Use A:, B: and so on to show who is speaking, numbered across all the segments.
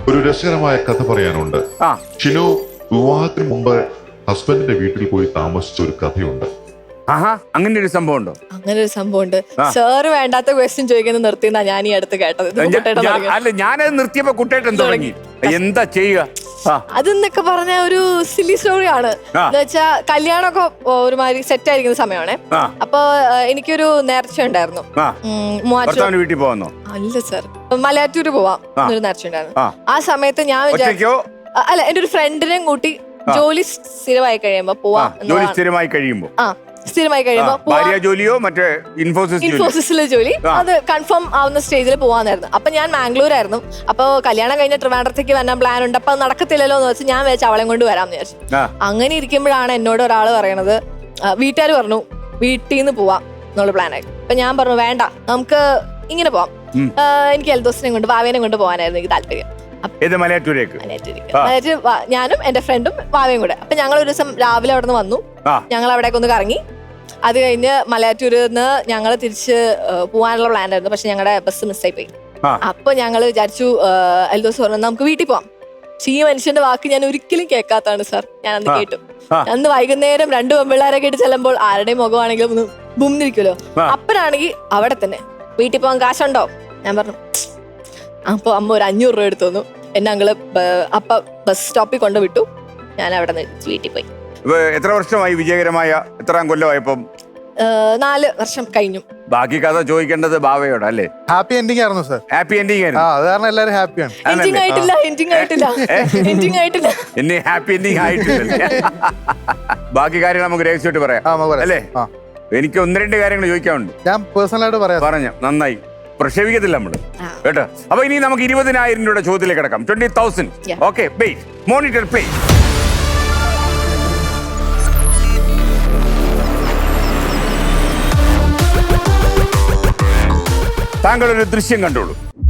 A: ഒരു രസകരമായ കഥ പറയാനുണ്ട്. ഷിനു വിവാഹത്തിന് മുമ്പ് ഹസ്ബൻഡിന്റെ വീട്ടിൽ പോയി താമസിച്ച ഒരു കഥയുണ്ട്.
B: അങ്ങനെ ഒരു സംഭവം ഉണ്ടോ?
C: അങ്ങനെ ഒരു സംഭവം ഉണ്ട്. സാറ് വേണ്ടാത്ത ക്വസ്റ്റ്യൻ ചോദിക്കുന്നത് നിർത്തിയെന്നാ ഞാൻ ഈ അടുത്ത് കേട്ടത്.
B: അല്ല, ഞാനത് നിർത്തിയപ്പോ കുട്ടേട്ടൻ തുടങ്ങി. എന്താ ചെയ്യുക?
C: അതെന്നൊക്കെ പറഞ്ഞ ഒരു സില്ലി സ്റ്റോറി ആണ്. എന്ന് വെച്ചാ കല്യാണമൊക്കെ ഒരുമാതിരി സെറ്റ് ആയിരിക്കുന്ന സമയമാണ്. അപ്പൊ എനിക്കൊരു നേർച്ച ഉണ്ടായിരുന്നു.
B: വീട്ടിൽ പോകുന്നു
C: അല്ല സർ, മലയാറ്റൂര് പോവാം എന്നൊരു നേർച്ച ഉണ്ടായിരുന്നു. ആ സമയത്ത് ഞാൻ വിചാരിച്ചു, അല്ല, എന്റെ ഒരു ഫ്രണ്ടിനെയും കൂട്ടി ജോലി സ്ഥിരമായി കഴിയുമ്പോ പോവാം.
B: സ്ഥിരമായി കഴിയുമ്പോ
C: സ്ഥിരമായി കഴിയുമ്പോ
B: ജോലിയോ മറ്റേ
C: ഇൻഫോസിസിലെ ജോലി അത് കൺഫേം ആവുന്ന സ്റ്റേജിൽ പോവാന്നായിരുന്നു. അപ്പൊ ഞാൻ മാംഗ്ലൂരായിരുന്നു. അപ്പൊ കല്യാണം കഴിഞ്ഞ ട്രിവാൻഡ്രത്തേക്ക് വരാൻ പ്ലാൻ ഉണ്ട്. അപ്പൊ അത് നടക്കത്തില്ലല്ലോ എന്ന് വെച്ച് ഞാൻ വിചാരിച്ചു അവളെ കൊണ്ട് വരാമെന്ന് വിചാരിച്ചു. അങ്ങനെ ഇരിക്കുമ്പോഴാണ് എന്നോട് ഒരാൾ പറയണത്, വീട്ടുകാർ പറഞ്ഞു വീട്ടിൽ നിന്ന് പോവാം എന്നുള്ള പ്ലാനായി. അപ്പൊ ഞാൻ പറഞ്ഞു വേണ്ട, നമുക്ക് ഇങ്ങനെ പോവാം. എനിക്ക് എൽദോസിനെ കൊണ്ട് വാവേനെ കൊണ്ട് പോകാനായിരുന്നു എനിക്ക് താല്പര്യം. ഞാനും എന്റെ ഫ്രണ്ടും വാവയും കൂടെ. അപ്പൊ ഞങ്ങൾ ഒരു ദിവസം രാവിലെ അവിടെ നിന്ന് വന്നു. ഞങ്ങൾ അവിടേക്ക് ഒന്ന് കറങ്ങി. അത് കഴിഞ്ഞ് മലയാറ്റൂരിൽ നിന്ന് ഞങ്ങൾ തിരിച്ച് പോകാനുള്ള പ്ലാൻ ആയിരുന്നു. പക്ഷെ ഞങ്ങളുടെ ബസ് മിസ്സായി പോയി. അപ്പൊ ഞങ്ങൾ വിചാരിച്ചു, എൽദോസ് പറഞ്ഞു നമുക്ക് വീട്ടിൽ പോവാം. പക്ഷെ ഈ മനുഷ്യന്റെ വാക്ക് ഞാൻ ഒരിക്കലും കേൾക്കാത്തതാണ് സാർ. ഞാൻ അന്ന് കേട്ടു. അന്ന് വൈകുന്നേരം 2 പെമ്പിള്ളാരെ കേട്ട് ചെല്ലുമ്പോൾ ആരുടെയും മുഖമാണെങ്കിലും ഒന്ന് ബുംന്നിരിക്കുമല്ലോ. അപ്പനാണെങ്കിൽ അവിടെ തന്നെ വീട്ടിൽ പോകാൻ കാശുണ്ടോ? ഞാൻ പറഞ്ഞു. അപ്പൊ അമ്മ ഒരു 500 രൂപ എടുത്തു തന്നു. എന്നെ അങ്ങള് അപ്പ ബസ് സ്റ്റോപ്പിൽ കൊണ്ട് വിട്ടു. ഞാൻ അവിടെ നിന്ന് വീട്ടിൽ പോയി.
B: എത്ര വർഷമായി വിജയകരമായ? എത്രാം കൊല്ലമായപ്പം?
C: 4 വർഷം കഴിഞ്ഞു.
B: ബാക്കി കഥ ചോദിക്കേണ്ടത് ബാവയോട് അല്ലേ?
D: ഹാപ്പി എൻഡിങ് ആയിരുന്നു സർ.
B: ഹാപ്പി എൻഡിങ് ആയിരുന്നു.
D: അത് കാരണം എല്ലാവരും ഹാപ്പിയാണ്.
C: എൻഡിങ് ആയിട്ടില്ല.
B: എന്നെ ഹാപ്പി എൻഡിങ് ആയിട്ടില്ല. ബാക്കി കാര്യങ്ങൾ നമുക്ക് രഹസ്യമായിട്ട് പറയാം അല്ലേ? എനിക്ക് 1-2 കാര്യങ്ങൾ ചോദിക്കാനുണ്ട്.
D: ഞാൻ പേഴ്സണലായിട്ട് പറയാം.
B: പറഞ്ഞു നന്നായി പ്രക്ഷേപിക്കത്തില്ല നമ്മള് കേട്ടോ. അപ്പൊ ഇനി നമുക്ക് 20,000 രൂപയുടെ ചോദ്യത്തിലേക്ക് കിടക്കാം. 20,000. Okay, monitor play. താങ്കൾ ഒരു ദൃശ്യം കണ്ടോളൂ.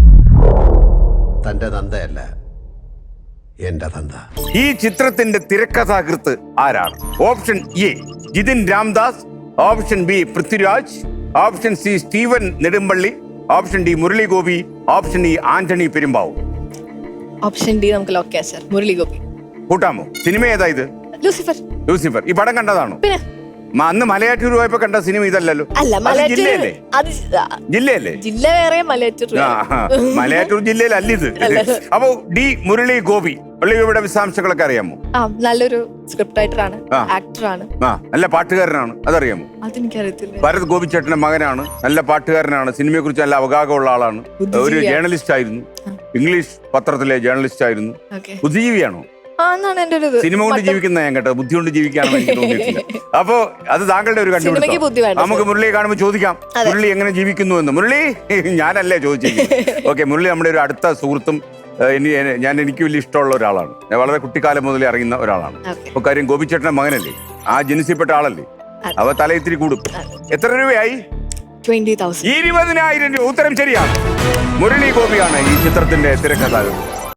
E: തന്റെ തന്തയല്ല എന്റെ തന്ത.
B: ഈ ചിത്രത്തിന്റെ തിരക്കഥാകൃത്ത് ആരാണ്? Option A Jithin Ramdas, option B Prithviraj, option C Steven Nedumpally, option D Murali Gopi, option E Antony Perumbavoor.
C: Option D നമുക്ക് ലോക്ക് ചെയ്യാം സർ. മുരളി ഗോപി.
B: കൂട്ടാമോ? സിനിമ ഏതാ ഇത്?
C: ലൂസിഫർ.
B: ലൂസിഫർ. ഈ പടം കണ്ടതാണോ?
C: പിന്നെ
B: അന്ന് മലയാറ്റൂർ പോയപ്പോ കണ്ട സിനിമ ഇതല്ലല്ലോ.
C: അല്ല,
B: ജില്ലയല്ലേ?
C: ജില്ലയല്ലേ? ജില്ല വേറെ, മലയാറ്റൂർ.
B: മലയാറ്റൂർ ജില്ലയിലല്ല ഇത്. അപ്പൊ ഡി മുരളി ഗോപി. മുരളിയുടെ വിശദാംശങ്ങളൊക്കെ അറിയാമോ?
C: നല്ലൊരു സ്ക്രിപ്റ്റ് റൈറ്ററാണ്, ആക്ടറാണ്,
B: നല്ല പാട്ടുകാരനാണ്. അതറിയാമോ?
C: അതെനിക്കറിയത്തില്ല.
B: ഭരത് ഗോപിച്ചേട്ടന്റെ മകനാണ്. നല്ല പാട്ടുകാരനാണ്. സിനിമയെ കുറിച്ച് നല്ല അവഗാഹമുള്ള ആളാണ്. ഒരു ജേർണലിസ്റ്റ് ആയിരുന്നു. ഇംഗ്ലീഷ് പത്രത്തിലെ ജേർണലിസ്റ്റ് ആയിരുന്നു. ബുദ്ധിജീവിയാണോ? സിനിമ കൊണ്ട് ജീവിക്കുന്ന ഞാൻ കേട്ടോ. ബുദ്ധി കൊണ്ട് ജീവിക്കാണെന്ന് എനിക്ക് തോന്നിയിട്ടില്ല. അപ്പൊ അത് താങ്കളുടെ ഒരു കണ്ടുപിടുത്തം. നമുക്ക് മുരളിയെ കാണുമ്പോൾ ചോദിക്കാം, മുരളി എങ്ങനെ ജീവിക്കുന്നു എന്ന്. മുരളി, ഞാനല്ലേ ചോദിച്ചിരിക്കുന്നത്. ഓക്കെ, മുരളി നമ്മുടെ ഒരു അടുത്ത സുഹൃത്തും എനിക്ക് വലിയ ഇഷ്ടമുള്ള ഒരാളാണ്. ഞാൻ വളരെ കുട്ടിക്കാലം മുതലേ അറിയുന്ന ഒരാളാണ്. അപ്പൊ കാര്യം ഗോപിച്ചേട്ടന്റെ മകനല്ലേ, ആ ജനിസിൽപ്പെട്ട ആളല്ലേ, അവ തലയിത്തിരി കൂടും. എത്ര രൂപയായി?
C: 20,000.
B: 20,000 രൂപ. ഉത്തരം ശരിയാണ്. മുരളി ഗോപിയാണ് ഈ ചിത്രത്തിന്റെ തിരക്കഥാകൃത്ത്.